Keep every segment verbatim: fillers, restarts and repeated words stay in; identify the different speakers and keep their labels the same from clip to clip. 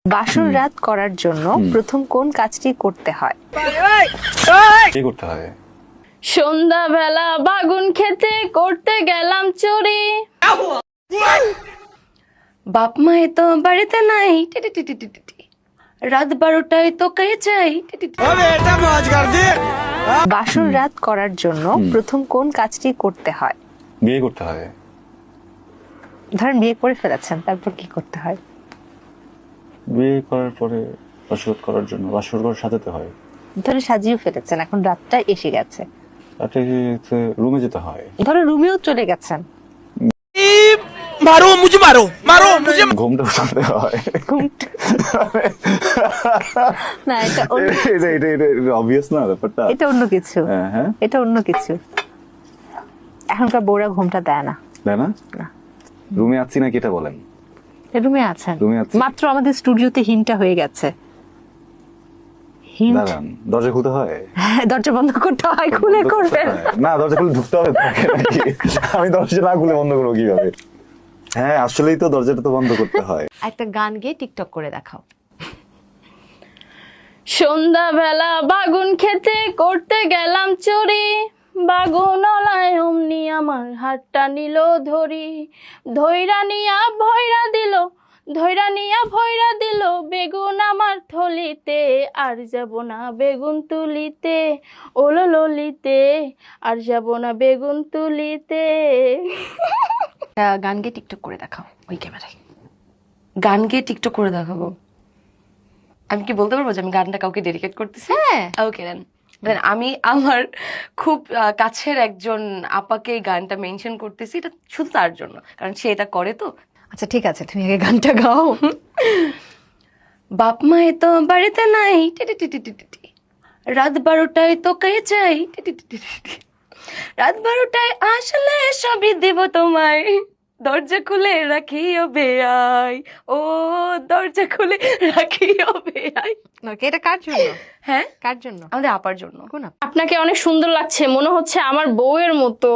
Speaker 1: বাসর রাত করার জন্য প্রথম কোন কাজটি করতে হয়?
Speaker 2: কি করতে হয়?
Speaker 3: সন্ধ্যাবেলা বাগুন খেতে করতে গেলাম চুরি।
Speaker 4: বাপ মায়ে তো বাড়িতে নাই, টি টি টি টি টি টি টি। রাত বারোটায় তো কে চাই, টি টি টি।
Speaker 1: বাসর রাত করার জন্য প্রথম কোন কাজটি করতে হয়?
Speaker 2: বিয়ে করতে হয়।
Speaker 1: ধরেন বিয়ে করে ফেলেছেন, তারপর কি করতে হয়?
Speaker 2: বিয়ে করার পরে বাসর করার জন্য বাসর ঘর সাজাতে হয়।
Speaker 1: ধরে সাজিয়ে ফেলেছেন, এখন রাতটা এসে গেছে,
Speaker 2: রাতে রুমে যেতে হয়।
Speaker 1: ধরে রুমেও চলে গেছেন,
Speaker 5: मारो मुझे मारो मारो मुझे
Speaker 2: ঘুমটা উঠাতে হয়।
Speaker 1: ঘুমটা- না এটা অন্য-
Speaker 2: এটা এটা এটা অবভিয়াস না ব্যাপারটা।
Speaker 1: এটা অন্য কিছু,
Speaker 2: হ্যাঁ হ্যাঁ
Speaker 1: এটা অন্য কিছু। এখনকার বউরা ঘুমটা দেয় না।
Speaker 2: তাই না?
Speaker 1: না।
Speaker 2: রুমে আছি নাকি এটা বলেন।
Speaker 1: রুমে আছেন,
Speaker 2: রুমে আছি।
Speaker 1: মাত্র আমাদের স্টুডিওতে হিন্টটা হয়ে গেছে। হিন্ট
Speaker 2: দাঁড়ান, দরজা খুলতে হয়।
Speaker 1: দরজা বন্ধ করতে হয়, খুলে
Speaker 2: বন্ধ করতে
Speaker 1: করবেন।
Speaker 2: হয়। না, দরজা খুলে ঢুকতে হবে তাকে নাকি? আমি দরজা না খুলে বন্ধ করবো কিভাবে? হ্যাঁ আসলেই তো দরজাটা তো বন্ধ করতে হয়।
Speaker 4: একটা গান গেয়ে টিকটক করে দেখাও।
Speaker 3: সন্ধ্যাবেলা বাগুন খেতে করতে গেলাম চুরি। বাগুনলায় অমনি আমার হাতটা নিল ধরি। ধৈরা নিয়া ভয়রা দিল, ধৈরা নিয়া ভয়রা দিল বেগুন আমার থলিতে। আর যাব না বেগুন তুলিতে, ওলো ললিতে, আর যাব না বেগুন তুলিতে।
Speaker 4: একটা গান গেয়ে টিকটক করে দেখাও ওই ক্যামেরায়। গান গেয়ে টিকটক করে দেখাবো। আমি কি বলতে পারবো যে আমি গানটা কাউকে ডেডিকেট করতেছি? হ্যাঁ, ওকে দেন। দেন আমি আমার খুব আহ, কাছের একজন আপাকে এই গানটা মেনশন করতেছি, এটা শুধু তার জন্য, কারণ সে এটা করে তো। আচ্ছা ঠিক আছে, তুমি আগে গানটা গাও। বাপ মায়ে তো বাড়িতে নাই, টি টি টি টি টি টি টি। রাত বারোটায় তো কে চাই, টি টি টি টি টি টি। রাত বারোটায় আসলে সবই দেব তোমায়, দরজা খুলে রাখিও বেআই, ও দরজা খুলে রাখিও বেআই।
Speaker 1: এটা কার জন্য?
Speaker 4: হ্যাঁ,
Speaker 1: কার জন্য?
Speaker 4: আমাদের আপার জন্য।
Speaker 1: কোন আপা?
Speaker 3: আপনাকে অনেক সুন্দর লাগছে, মনে হচ্ছে আমার বউয়ের মতো।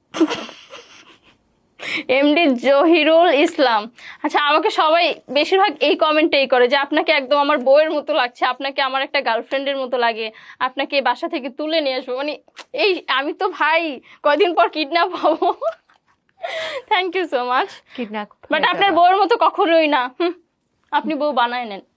Speaker 3: এমডি জহিরুল ইসলাম। আচ্ছা, আমাকে সবাই বেশিরভাগ এই কমেন্টেই করে যে আপনাকে একদম আমার বউয়ের মতো লাগছে, আপনাকে আমার একটা গার্লফ্রেন্ডের মতো লাগে, আপনাকে এই বাসা থেকে তুলে নিয়ে আসবো। মানে এই আমি তো ভাই কয়দিন পর কিডন্যাপ হবো। Thank you so much.
Speaker 1: Kidnap
Speaker 3: but আপনার বউয়ের মতো কখনোই না। হুম, আপনি বউ বানায় নেন।